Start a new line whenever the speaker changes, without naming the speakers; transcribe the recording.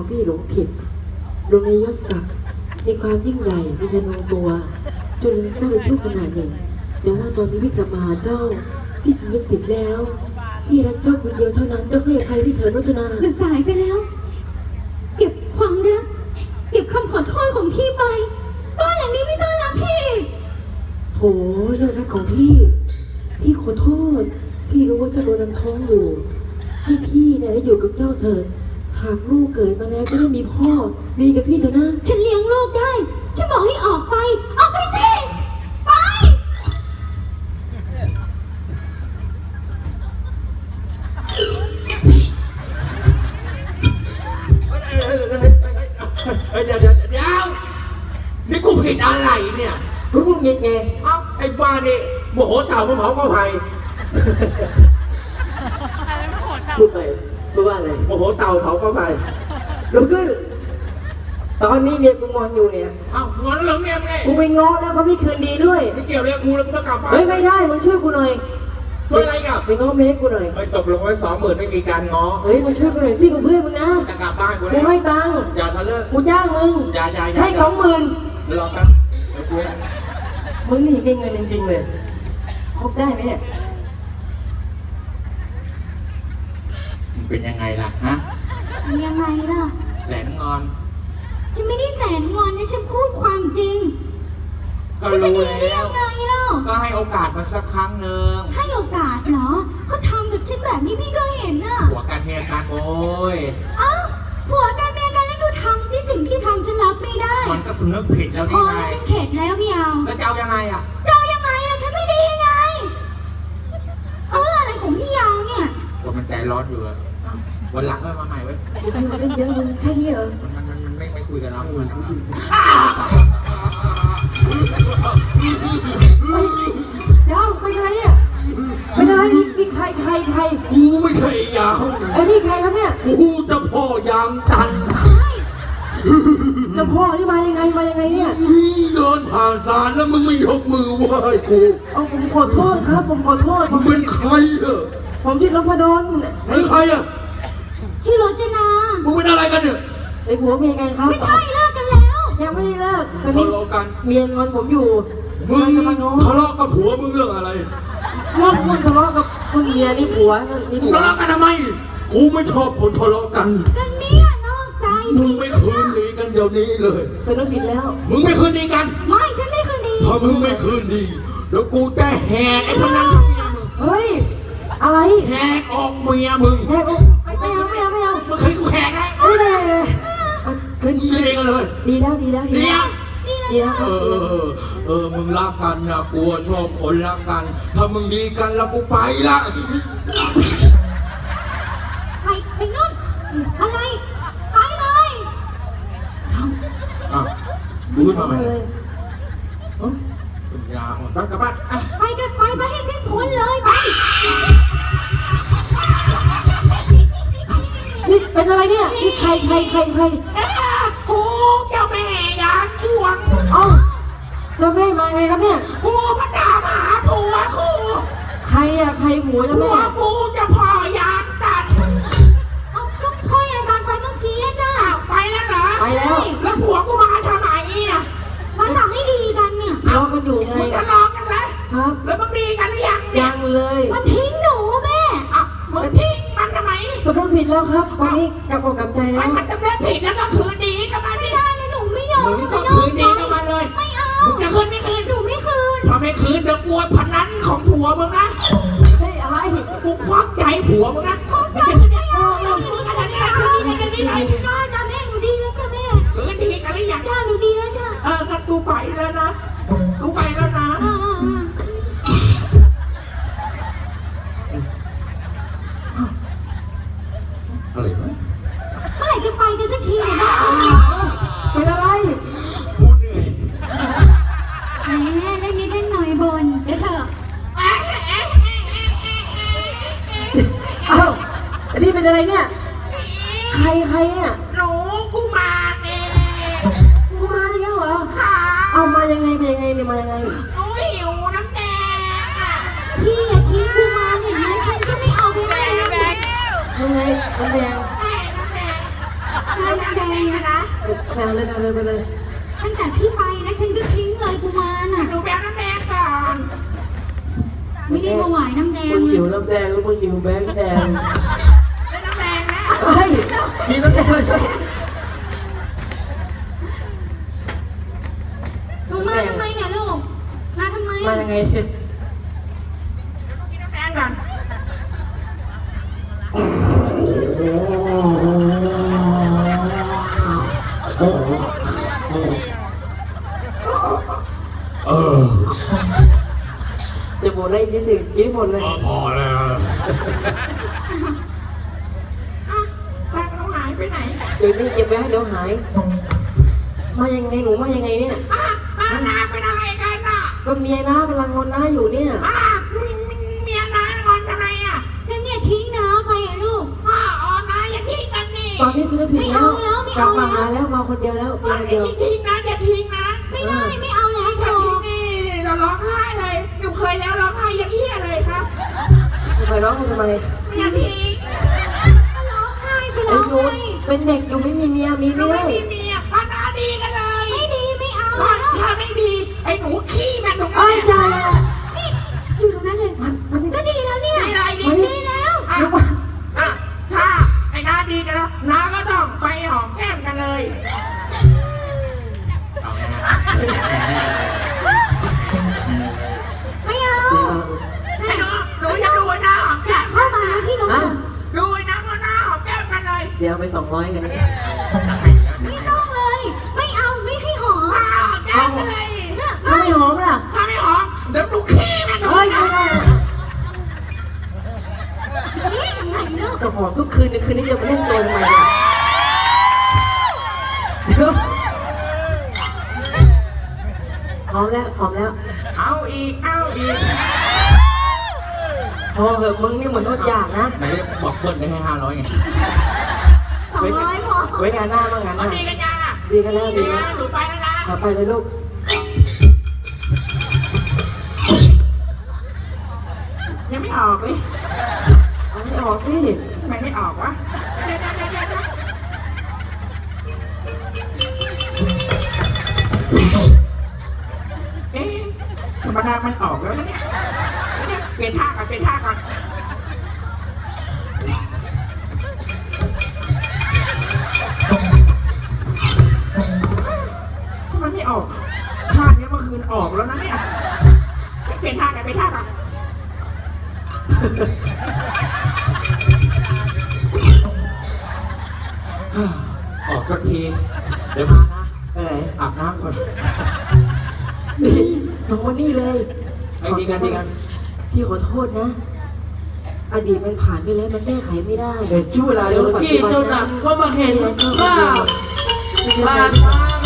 พี่หลงผิดลงในยศศักดิ์ในความยิ่งใหญ่ในธนูตัวจนเจ้าไปชั่วขนาดหนึ่งแต่ว่าตอนนี้พี่กลับมาหาเจ้าพี่สำนึกผิดแล้วพี่รักเจ้าคนเดียวเท่านั้นเจ้าให้อภัยพี่เถิดรจนา
มันสายไปแล้ว เก็บความรักเก็บคำขอโทษของพี่ไปบ้านหลังนี้ไม่ต้อนรับพี่
โหยอดรักของพี่ขอโทษพี่รู้ว่าเจ้าโดนน้ำท้องอยู่พี่เนี่ยอยู่กับเจ้าเถิดหากลูกเกิดมาแล้วจะได้มีพ่อมีกับพี่เถอะนะ
ฉันเลี้ยงลูกได้ฉันบอกให้ออกไปออกไปสิไป
เดี๋ยวนี่กูผิดอะไรเนี่ย
รู้มึงยังไง
เอ้าไอ้บ้านี่โมโหเต่ามาเผาก็ไผ่
พูดไปพูดว่าอะไร
โมโหเต่าเผาก็ไผ่
ลูกขึ้นตอนนี้เมียกูงอนอยู่เนี่ย
เอ้างอนแล้วเมียไง
กูไปง้อแล้วเขาไม่คืนดีด้วย
ไม่เกี่ยวเลยกูแล้วกูต้องกลับบ้าน
เฮ้ยไม่ได้มึงช่วยกูหน่อย
ช่วยอะไรกับ
ไปง้อเมียกูหน่อย
ไปตกลงไว้20,000ไม่มีการง้อ
เฮ้ยมาช่วยกูหน่อยสิกูเพื่อนมึงนะ
จะกลับบ้านกู
แล้วกูให้ตังค์
อย่าทะเลาะ
กูจ้างมึง
อย่า
ให้20,000
รอแป๊บ
มึงนี่เก่งเงินจริงๆเลยคบได้ไหมเนี่ย
มันเป็นยังไงล่ะฮะ
ยังไงล่ะ
แสนงอน
ฉันไม่ได้แสนงอนนะฉันพูดความจริง
ก็รู้แล้ว
ยังไงเล่า
ก็ให้โอกาสมันสักครั้งหนึ่ง
ให้โอกาสเหรอเขาทำกับฉันแบบนี้พี่ก็เห็นน่ะ
ผัวกันเมียกันโอ้ย
เอ้าผัวกันเมียกันแล้วดูทำสิสิ่งที่ทำฉันรับไม่ได้
มันก็สำนึกผิดแล้วนี่ไง
ฉันเข็ดแล้วพี่เอา
แล้วเจ้ายังไงอ่ะ
เจ้ายังไงล่ะฉันไม่ดียังไงอะไรของพี่ยาวเนี่ย
คนมันใจร้อนอยู่วันหลังก็มาใหม่ไว้
มันเยอะมึงแค่นี้เหรอ
มันไม่คุยกันแล้ว
เดี๋ยวเป็นอะไรเนี่ยเป็นอะไรนี่ใคร
กูไม่ใช่ยาง
ไอ้นี่ใครครับเนี่ย
กูจะพ่อยางตัน
จะพ่อนี่มายังไงเนี่ย
เดินผ่านศาลแล้วมึงไม่ยกมือไหว้กู
เอาผมขอโทษครับผมขอโทษ
มึงเป็นใคร
ผมชื่อนพดล
เป็นใคร
ชื่อรจนา
มึงเป็นอะไรกันเนี่ย
ไอ้ผัวเมียไงครับ
ไม่ใช่เลิกกันแล้ว
ยังไม่ได้เลิกตอน
นี้
เมียงอนผมอยู่
มึงจะมาง้อทะเลาะกับผัวมึงเรื่องอะไร
มึงทะเลาะกับคุณเมียนี่ผัวนี่ผัว
ทะเลาะกันทำไมกูไม่ชอบคนทะเลาะกัน
กันเนี่ยนอกใจ
มึงไม่คืนดีกันเดี๋ยวนี้เลย
สนุกผิดแล้ว
มึงไม่คืนดีกัน
ไม่ฉันไม่คืนดี
ถ้ามึงไม่คืนดีแล้วกูจะแหกไอ้พนัน
เฮ้ยอะไร
แหกออกเมียมึง
แหกออกไม่เอา
มึงเคยกูแหกไง
ขึ้น
ดีกันเลย
ดีแล้ว
มึงรักกันนะกูชอบคนรักกันถ้ามึงดีกันแล้วกูไปละ
ไปนู่นอะไรไปเลย
ดูทำไมเลยยาอ่อนกลับบ้าน
ไปกันไปให้ได้พ้นเลยไป
นี่เป็นอะไรเนี่ยนี่ใคร
กูเจ้าแม่ยาช่วง
เจ้าแม่มาไงครับเนี่ย
กูพระดามาหาผัวกู
ใครผัวเจ้าแม่
กูจะพ่อยางตัน
ก็พ่อยางตันไปเมื่อกี้จ้า
ไปแล้วเหรอ
ไปแล้ว
ผัวกูมาทำไมเนี่ย
มาสั่งให้ดีกันเนี่ย
ทะเลาะกันอยู่ไง
มึงทะเลาะกันแล้ว
ครับ
แล้วมึงดีกันหรือยัง
เลย
มันทิ้งหนูแม่
มึงทิ้งมันทำไม
สำนึกผิดแล้วครับวันนี้กลับกับใจแล้ว
มันจะไม่ผิดแล้วก็คืนดีกันมา
ไม่ได้เลยหนูไม่ยอม
มึงต้องคืนดีกันมาเลย
ไม่เอา
มึงจะคืนไม่คืน
หนูไม่คืน
ถ้าไม่คืนเดี๋ยวกลัวพนันของผัวมึงนะ
เฮ้ยอะไร
กูควักใจผัวมึงนะ
ควักใจไม่เอาคืนดีกันจ้าแม่หนูดีแล้วจ้าแม่
คืนดีกันหรือยัง
จ้าหนูดีแล้วจ้า
งั้นกูไปแล้วนะอะไรวะ
เมื่อไหร่จะไปกันสักทีเนี่ย
เป็นอะไร
กูเหนื่อย
เล่นนิดเล่นหน่อยบนเดี๋ยวเถอะ
อันนี้เป็นอะไรเนี่ยใครเนี่ย
หนูกูมาเนี่ย
เหรอเอามายังไงเนี่ยมายังไง
หนูหิวน้ำแดง
พี่อย่าทิ้งกูมาเนี่ยนะฉันก็ไม่เอาไปเลย
ยังไงน้ำแดง
น้ำแดงนะ
แมวเลยเอาเลยไปเลย
ตั้งแต่พี่ไปนะฉันก็ทิ้งเลยกุมารน่ะ
หนูไปเอาน้ำแดงก่อน
ไม่ได้ถวายน้ำแดง
มึงหิว
เลย
น้ำแดงแล้วมึงหิวแบงค์แดง
ได้น้ำแดงแล้ว
เฮ้ยมีน้ำแดงเลย
ลงมาทำไมเนี่ยลูกมาทำไม
มายังไง
กินน้ำแดงก่อน
เออ
จะหมดเลยนิดหนึ่งกินหมดเลย
พอแล้ว
อ่ะตังค์เราหายไปไหน
เดี๋ยวนี้เก็บไว้ให้เดี๋ยวหาย มายังไงหนูมายังไงเนี่ย
อ่ะมานาเป็นอะไรกันอ่ะ
ก็เมียน้ากำลังงอนน้าอยู่เนี่ย
อ่ะเมียน้างอนทำไมอ่ะ
นั่นเนี่ยทิ้งน้าไปอะลูก
อ๋อน้าอย่าทิ้งกันนี่
ตอนนี้ฉันผิดแล้ว
ไม่เอาแล้วไม่
กลั
เอา
บมา
แล้ว
หาแล้วมาคนเดียวแล้ว
อย่า
มาคนเดียว
ทิ้งนะอย่าทิ้งนะ
ไม่ได้ไม่เอาแล้ว
ถ้า
โจ
ทิ้งนี่เราร้องไห้เลยหนูเคยแล้วร้องไห้ยังเหี้ยเลยครับ
ทำไมร้องไห้ทำไม
อย่าทิ้ง
ก็ร้องไห้ไป
ไอ้
แล้ว
หนู
ไง
เป็นเด็กอยู่ไม่มีเมียมี
หนู
ไม่
ไม่
ได้
มีเมียพันนาดีกันเลย
ไม่ดีไม่เอา
ว่า
แล้ว
ถ้าไม่ดีไอ้หนูขี้มันตรง
ไอ้
นี้
ยาย
นี่อยู่ตรงนั้นเลย
มันนี่
ก็ดีแล้วเนี่ย
ไม่ไรดี
ดีแล้ว
อ่ะอ่ะถ้าไอ้น้าดีกันแล้วน้าก็ต้องไปหอมแก้มกันเลย
ไม่เอา
ไอ้หนูจะดูไอ้น้าหอมแก้ม
เข้ามาแล้วพี่น้อง
ฮะ
ดูไอ้น้าก็น้าหอมแก้มกันเลย
เดี๋ยวไป200กัน
ไม่ต้องเลย ไม่เอาไม่ให้หอม
น้าหอมแก้มกันเลย
ถ้าไม่หอมล่ะ
ถ้าไม่หอมเดี๋ยวหนูขี้มันตรง
เฮ้ย
นี้
ไม่ได้
นี่ยังไงเนาะ
จะหอมทุกคืนในคืนนี้จะมาเล่นตัวทำไมเนี่ยเดี๋ยวหอมแล้วหอมแล้ว
เอาอีกเอาอีก
พอเหอะมึงนี่เหมือนอดอยากนะ
ไหนบอกเพื่อนได้ให้500ไง
200พอ
ไว้งานหน้าบ้างงานห
เอา
น้า
ดีกันยังอ่ะ
ดีกันแล้วดี
ดี
แล้
นะ
ว
หนูไปแล้วนะ
เอาไปเลยลูก
ยังไม่ออกเลย
เอาให้ออกสิ
ทำไมไม่ออกวะเดี๋ยวเอ๊ะธรรมดามันออกแล้วนะเนี่ยเปลี่ยนท่าก่อนเปลี่ยนท่าก่อนทำไมไม่ออกท่านี้เมื่อคืนออกแล้วนะเนี่ยเปลี่ยนท่ากันเปลี่ยนท่าก่อน
ออกสักที เดี๋ยวมานะ
ไปไหน
อาบน้ำก่อน
นี่น้องวันนี้เลย
ไอ้ดีกันดีกัน
พี่ขอโทษนะ อดีตมันผ่านไปแล้วมันแก้ไขไม่ได้
เดี๋ยวช่วงเวลาเดี๋ยวที่เจ้าหนักก็มาเห็นภาพผ่านมา